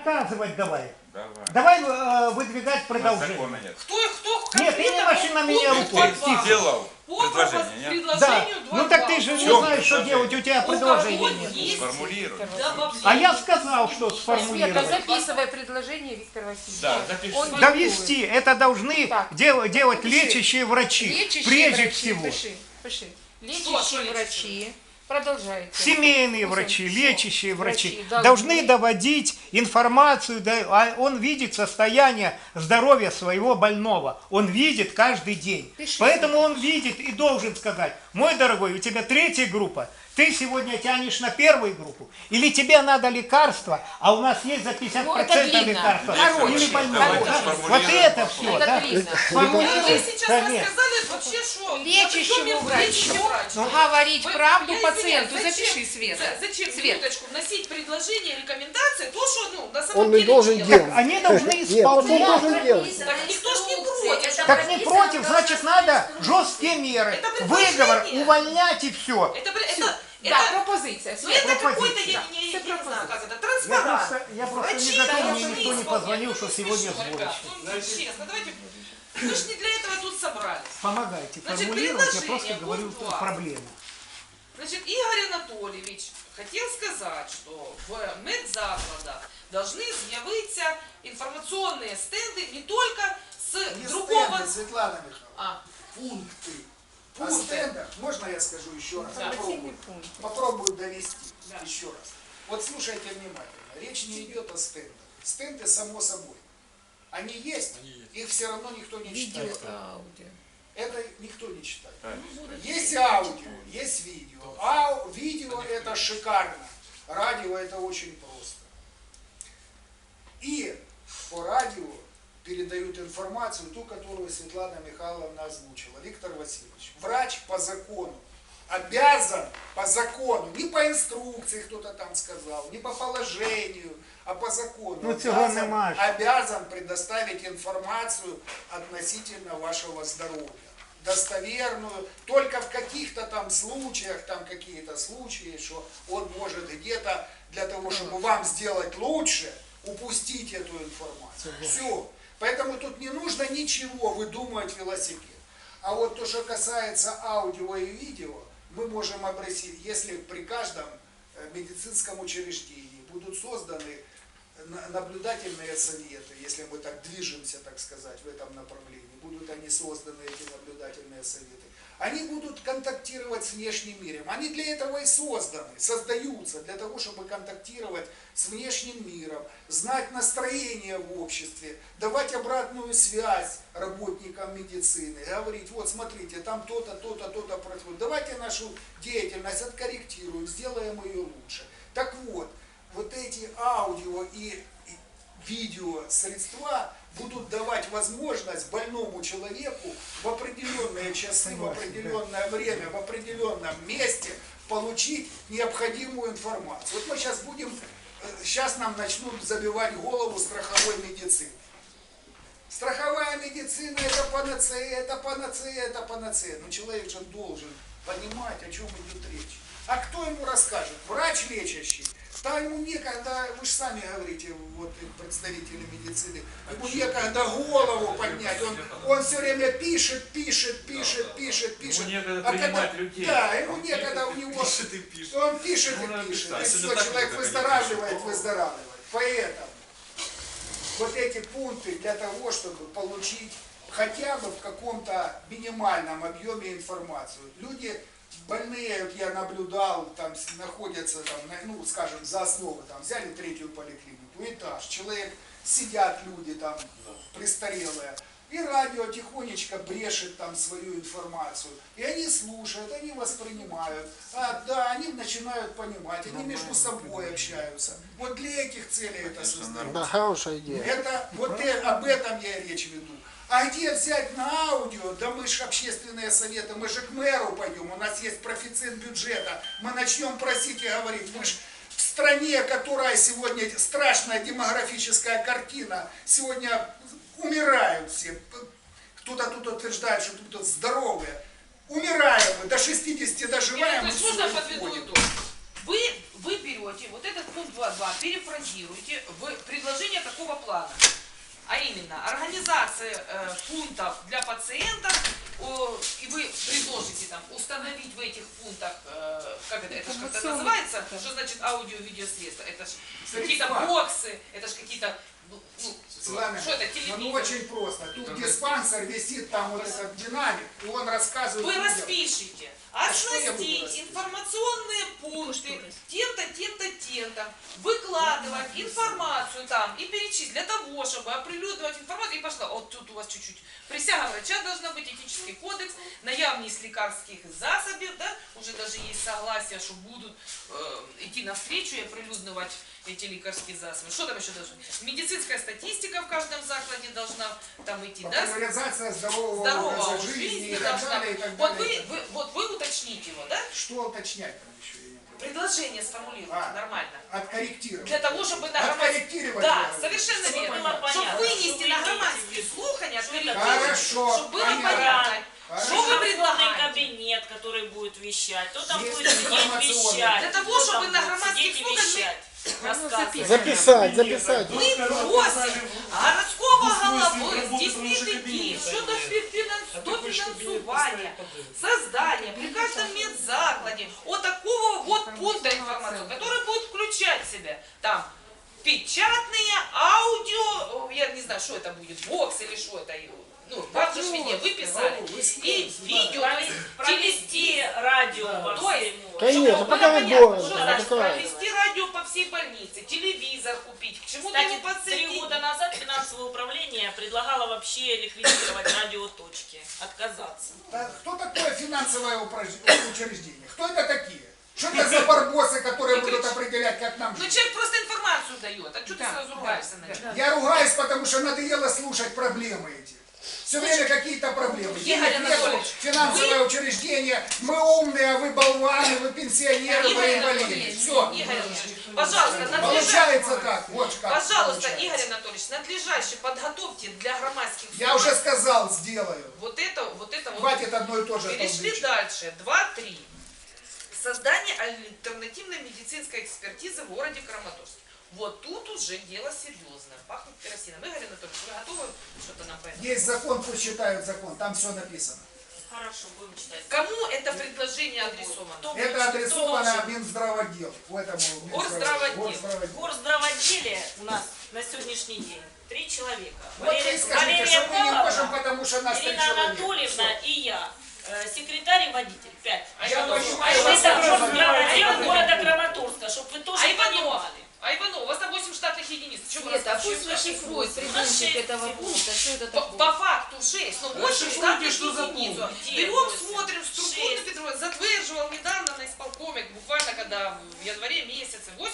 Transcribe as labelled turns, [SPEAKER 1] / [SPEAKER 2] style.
[SPEAKER 1] Наказывать давай.
[SPEAKER 2] Давай.
[SPEAKER 1] Давай выдвигать продолжение.
[SPEAKER 2] Нет.
[SPEAKER 3] Кто
[SPEAKER 1] Нет, ты не маши на меня рукой.
[SPEAKER 2] Ты сделал предложение, нет?
[SPEAKER 1] Да. Ну так ты же не знаешь, что делать, у тебя предложения нет.
[SPEAKER 2] Сформулируй.
[SPEAKER 1] А я сказал, что
[SPEAKER 4] Света,
[SPEAKER 1] сформулировать.
[SPEAKER 4] записывай предложение Виктора Васильевича.
[SPEAKER 2] Да, запиши.
[SPEAKER 4] Он
[SPEAKER 1] Довести, это должны
[SPEAKER 4] Так.
[SPEAKER 1] делать
[SPEAKER 4] Пиши.
[SPEAKER 1] лечащие врачи,
[SPEAKER 4] Лечащие
[SPEAKER 1] прежде
[SPEAKER 4] врачи,
[SPEAKER 1] всего.
[SPEAKER 4] Пиши. Лечащие врачи. Продолжайте.
[SPEAKER 1] Семейные врачи, лечащие врачи
[SPEAKER 4] Врачи
[SPEAKER 1] должны доводить информацию, он видит состояние здоровья своего больного, он видит каждый день.
[SPEAKER 4] Пишите.
[SPEAKER 1] Поэтому он видит и должен сказать: мой дорогой, у тебя 3-я группа, ты сегодня тянешь на 1-ю группу, или тебе надо лекарства, а у нас есть за 50%
[SPEAKER 4] Ну, это длинно.
[SPEAKER 1] лекарства,
[SPEAKER 4] Короче,
[SPEAKER 1] или больного.
[SPEAKER 2] давайте
[SPEAKER 1] Да?
[SPEAKER 2] сформулируем
[SPEAKER 1] Вот это
[SPEAKER 2] вопрос.
[SPEAKER 1] все,
[SPEAKER 4] Это
[SPEAKER 1] да?
[SPEAKER 4] длинно.
[SPEAKER 3] Вы сейчас
[SPEAKER 1] Конечно.
[SPEAKER 3] рассказали вообще, что...
[SPEAKER 4] Лечащему врачу
[SPEAKER 1] Ну,
[SPEAKER 4] говорить
[SPEAKER 3] Вы-
[SPEAKER 4] правду
[SPEAKER 3] я
[SPEAKER 4] пациенту.
[SPEAKER 3] извиняюсь,
[SPEAKER 4] Запиши, Света.
[SPEAKER 3] Зачем,
[SPEAKER 4] Свет.
[SPEAKER 3] минуточку, вносить предложения, рекомендации, то, что, на самом
[SPEAKER 5] Он не
[SPEAKER 3] деле
[SPEAKER 5] должен
[SPEAKER 3] делать.
[SPEAKER 5] делать.
[SPEAKER 1] Они должны
[SPEAKER 5] Нет, он
[SPEAKER 1] исполнять.
[SPEAKER 5] должен делать.
[SPEAKER 3] Так никто ж не против.
[SPEAKER 1] Так не против, значит надо жесткие меры,
[SPEAKER 3] Это
[SPEAKER 1] выговор,
[SPEAKER 3] предложение.
[SPEAKER 1] увольнять и все.
[SPEAKER 4] Да, пропозиция.
[SPEAKER 3] Ну
[SPEAKER 4] Свет.
[SPEAKER 3] это какой-то,
[SPEAKER 1] пропозиция.
[SPEAKER 3] я не знаю, как это,
[SPEAKER 1] Я
[SPEAKER 3] транспарант.
[SPEAKER 1] просто не
[SPEAKER 3] Врачи
[SPEAKER 1] готов, мне
[SPEAKER 3] должны
[SPEAKER 1] никто не
[SPEAKER 3] исполнять.
[SPEAKER 1] позвонил,
[SPEAKER 3] Ну,
[SPEAKER 1] что
[SPEAKER 3] не
[SPEAKER 1] сегодня
[SPEAKER 3] смешно,
[SPEAKER 1] сборище.
[SPEAKER 3] ребят. Ну, честно, давайте, мы же не для этого тут собрались.
[SPEAKER 1] Помогайте
[SPEAKER 3] Значит,
[SPEAKER 1] формулировать, я
[SPEAKER 3] предложение,
[SPEAKER 1] просто говорю
[SPEAKER 3] пункт 2.
[SPEAKER 1] проблему.
[SPEAKER 3] Значит, Игорь Анатольевич хотел сказать, что в медзакладах должны з'явиться информационные стенды не только с
[SPEAKER 6] Не
[SPEAKER 3] другого...
[SPEAKER 6] стенды, Светлана Михайловна,
[SPEAKER 3] А,
[SPEAKER 6] пункты. О
[SPEAKER 3] Пункты.
[SPEAKER 6] стендах, можно я скажу еще раз?
[SPEAKER 3] Да.
[SPEAKER 6] Попробую довести
[SPEAKER 3] Да.
[SPEAKER 6] еще раз. Вот слушайте внимательно, речь не идет о стендах. Стенды само собой. Они есть, их все равно никто не читает.
[SPEAKER 4] Аудио.
[SPEAKER 6] Это никто не читает.
[SPEAKER 2] Ну,
[SPEAKER 6] Есть аудио, есть видео. Видео это шикарно. Радио это очень просто. И по радио передают информацию, ту, которую Светлана Михайловна озвучила. Виктор Васильевич, врач по закону обязан, по закону, не по инструкции кто-то там сказал, не по положению, а по закону,
[SPEAKER 1] Ну, цього нема ж.
[SPEAKER 6] обязан предоставить информацию относительно вашего здоровья. Достоверную, только в каких-то там случаях, там какие-то случаи, что он может где-то для того, чтобы вам сделать лучше, упустить эту информацию. Все. Поэтому тут не нужно ничего выдумывать велосипед. А вот то, что касается аудио и видео, мы можем обратить, если при каждом медицинском учреждении будут созданы наблюдательные советы, если мы так движемся, так сказать, в этом направлении, будут они созданы, эти наблюдательные советы, они будут контактировать с внешним миром. Они для этого и созданы, создаются, для того, чтобы контактировать с внешним миром, знать настроение в обществе, давать обратную связь работникам медицины, говорить: вот смотрите, там то-то, то-то, то-то происходит, давайте нашу деятельность откорректируем, сделаем ее лучше. Так вот, вот эти аудио и видео средства будут давать возможность больному человеку в определенные часы, в определенное время, в определенном месте получить необходимую информацию. Вот мы сейчас нам начнут забивать голову страховой медицины. Страховая медицина это панацея, это панацея, это панацея. Но человек же должен понимать, о чем идет речь. А кто ему расскажет? Врач лечащий. Да ему некогда, вы же сами говорите, вот представители медицины, ему некогда голову поднять, он все время пишет.
[SPEAKER 2] Ему некогда принимать людей.
[SPEAKER 6] Да, ему некогда, у него,
[SPEAKER 2] Пишет и пишет.
[SPEAKER 6] он пишет и пишет, и все, человек выздоравливает. Поэтому вот эти пункты для того, чтобы получить хотя бы в каком-то минимальном объеме информацию. Люди больные, вот я наблюдал, там находятся, там, ну, скажем, за основу, там, взяли 3-ю поликлинику, этаж, человек, сидят люди там, престарелые, и радио тихонечко брешет там свою информацию, и они слушают, они воспринимают, да, они начинают понимать, они между собой общаются. Вот для этих целей это создается.
[SPEAKER 5] Да, хорошая идея.
[SPEAKER 6] Это, вот об этом я и речь веду. А где взять на аудио? Да мы же общественные советы, мы же к мэру пойдем, у нас есть профицит бюджета. Мы начнем просить и говорить, мы же в стране, которая сегодня страшная демографическая картина, сегодня умирают все. Кто-то тут утверждает, что тут здоровые. Умираем мы, до 60 доживаем.
[SPEAKER 3] то есть можно подведу итог. Вы берете вот этот пункт 2.2, перефразируете в предложении плана. А именно, организация пунктов для пациентов, и вы предложите там установить в этих пунктах, как это же как-то называется, что значит аудио-видеосредства, это же какие-то боксы, это же какие-то,
[SPEAKER 6] Светлана,
[SPEAKER 3] что это, телевизор?
[SPEAKER 6] ну очень просто. Тут диспансер висит, там вот этот динамик, и он рассказывает
[SPEAKER 3] Вы
[SPEAKER 6] людям.
[SPEAKER 3] распишите,
[SPEAKER 6] что я буду
[SPEAKER 3] оснастить
[SPEAKER 6] расписывать?
[SPEAKER 3] информационные пункты тем-то, тем-то, тем-то, выкладывать информацию там и перечислить для того, чтобы оприлюднивать информацию. И пошла, вот тут у вас чуть-чуть присяга врача должна быть, этический кодекс, наявність лекарских засобів, да? Уже даже есть согласие, что будут идти навстречу и оприлюднивать эти лекарские засобы. Что там еще должно быть? Медицинская статистика в каждом закладе должна там идти, да?
[SPEAKER 6] Популяризация здорового
[SPEAKER 3] Здорового
[SPEAKER 6] образа жизни и так
[SPEAKER 3] должна
[SPEAKER 6] далее, и
[SPEAKER 3] быть.
[SPEAKER 6] так
[SPEAKER 3] Вот
[SPEAKER 6] далее.
[SPEAKER 3] вы уточните его, да?
[SPEAKER 6] Что уточнять там еще? Я не понимаю.
[SPEAKER 3] Предложение сформулировать нормально.
[SPEAKER 6] Откорректировать.
[SPEAKER 3] Для того, чтобы на громадские...
[SPEAKER 6] Откорректировать.
[SPEAKER 3] Да,
[SPEAKER 6] я говорю.
[SPEAKER 3] совершенно
[SPEAKER 6] Чтобы
[SPEAKER 3] верно.
[SPEAKER 6] понятно.
[SPEAKER 3] Чтобы вынести на громадские слухания, откорректировать,
[SPEAKER 6] Хорошо,
[SPEAKER 3] чтобы было
[SPEAKER 6] понятно.
[SPEAKER 3] понятно.
[SPEAKER 6] Хорошо.
[SPEAKER 3] Что вы
[SPEAKER 5] Информационный
[SPEAKER 3] предлагаете?
[SPEAKER 5] кабинет, который будет вещать, кто там
[SPEAKER 6] Есть
[SPEAKER 5] будет сидеть
[SPEAKER 6] информационный.
[SPEAKER 5] вещать.
[SPEAKER 3] Для того,
[SPEAKER 5] кто
[SPEAKER 3] чтобы
[SPEAKER 5] там
[SPEAKER 3] на
[SPEAKER 5] будет
[SPEAKER 3] громадских
[SPEAKER 5] сидеть и
[SPEAKER 3] слухах мы-
[SPEAKER 5] вещать, рассказывать.
[SPEAKER 1] Записать.
[SPEAKER 3] Мы просим городского головы здійснити щодо дофінансування, создания при каждом медзакладе вот такого вот пункта информации, который будет включать в себя там печатные, аудио, я не знаю, что это будет, бокс или что это, ну, вам же ж виднее, вы писали, и видео, то есть
[SPEAKER 5] Провести радио по
[SPEAKER 3] То есть,
[SPEAKER 5] всему.
[SPEAKER 1] Конечно,
[SPEAKER 3] чтобы
[SPEAKER 1] пока
[SPEAKER 3] было
[SPEAKER 1] не
[SPEAKER 3] понятно,
[SPEAKER 1] было,
[SPEAKER 3] что
[SPEAKER 1] да,
[SPEAKER 3] значит
[SPEAKER 1] такое.
[SPEAKER 3] провести радио по всей больнице, телевизор купить, к чему-то
[SPEAKER 5] Кстати,
[SPEAKER 3] его
[SPEAKER 5] 3
[SPEAKER 3] подсоединить.
[SPEAKER 5] года назад финансовое управление предлагало вообще ликвидировать радиоточки, отказаться.
[SPEAKER 6] Да, кто такое финансовое учреждение? Кто это такие? Что это за барбосы, которые
[SPEAKER 3] Не
[SPEAKER 6] будут
[SPEAKER 3] кричи.
[SPEAKER 6] определять, как нам
[SPEAKER 3] Ну
[SPEAKER 6] жить?
[SPEAKER 3] человек просто информацию дает, а что ты сразу ругаешься на него?
[SPEAKER 6] Я ругаюсь, потому что надоело слушать проблемы эти. Все время какие-то проблемы.
[SPEAKER 3] Игорь
[SPEAKER 6] Денег нету,
[SPEAKER 3] Анатольевич,
[SPEAKER 6] финансовое учреждение, мы умные, а вы болваны, вы пенсионеры, вы
[SPEAKER 3] Игорь
[SPEAKER 6] инвалиды.
[SPEAKER 3] Анатольевич,
[SPEAKER 6] Все.
[SPEAKER 3] Игорь Анатольевич, пожалуйста,
[SPEAKER 6] Получается так, вот как.
[SPEAKER 3] Пожалуйста,
[SPEAKER 6] получается.
[SPEAKER 3] Игорь Анатольевич, надлежаще подготовьте для громадских
[SPEAKER 6] Я уже
[SPEAKER 3] слухов
[SPEAKER 6] сказал, сделаю.
[SPEAKER 3] вот это.
[SPEAKER 6] Хватит одно и то же.
[SPEAKER 3] Перешли
[SPEAKER 6] толдычить.
[SPEAKER 3] дальше. 2.3. Создание альтернативной медицинской экспертизы в городе Краматорск. Вот тут уже дело серьезное. Пахнет керосином. Игорь Анатольевич, вы готовы что-то нам поэтому?
[SPEAKER 6] Есть закон, пусть читают закон, там все написано.
[SPEAKER 5] Хорошо, будем читать.
[SPEAKER 3] Кому это предложение адресовано?
[SPEAKER 5] Кто будет-
[SPEAKER 6] Это
[SPEAKER 5] кто
[SPEAKER 6] адресовано
[SPEAKER 5] должен?
[SPEAKER 6] Минздравотдел. В этому
[SPEAKER 3] Горздравотдел.
[SPEAKER 6] Горздравотдел.
[SPEAKER 5] В горздравотделе у нас на сегодняшний день 3 человека.
[SPEAKER 6] Вот вы скажите, что мы не можем, потому что нас 3
[SPEAKER 5] Ирина
[SPEAKER 6] человека.
[SPEAKER 5] Анатольевна и я. Секретарь и водитель. 5.
[SPEAKER 6] Я понимаю,
[SPEAKER 5] Это
[SPEAKER 6] вас тоже
[SPEAKER 5] горздравотдел города Краматорска, чтобы вы тоже
[SPEAKER 3] А Иванов?
[SPEAKER 5] понимали.
[SPEAKER 3] А Иванов, у вас там 8 штатных единиц. Чего вы
[SPEAKER 4] Света, а пусть
[SPEAKER 3] рассказываете?
[SPEAKER 4] расшифрует придумщик этого пункта, что это
[SPEAKER 3] По
[SPEAKER 4] такое.
[SPEAKER 3] факту 6, но 8
[SPEAKER 2] Расшифруйте,
[SPEAKER 3] штатных
[SPEAKER 2] что за
[SPEAKER 3] единиц.
[SPEAKER 2] пункт.
[SPEAKER 3] Берем,
[SPEAKER 5] 8,
[SPEAKER 3] смотрим, структуру
[SPEAKER 5] 6.
[SPEAKER 3] Петрова затверживал недавно на исполкоме, буквально когда в январе месяце, 8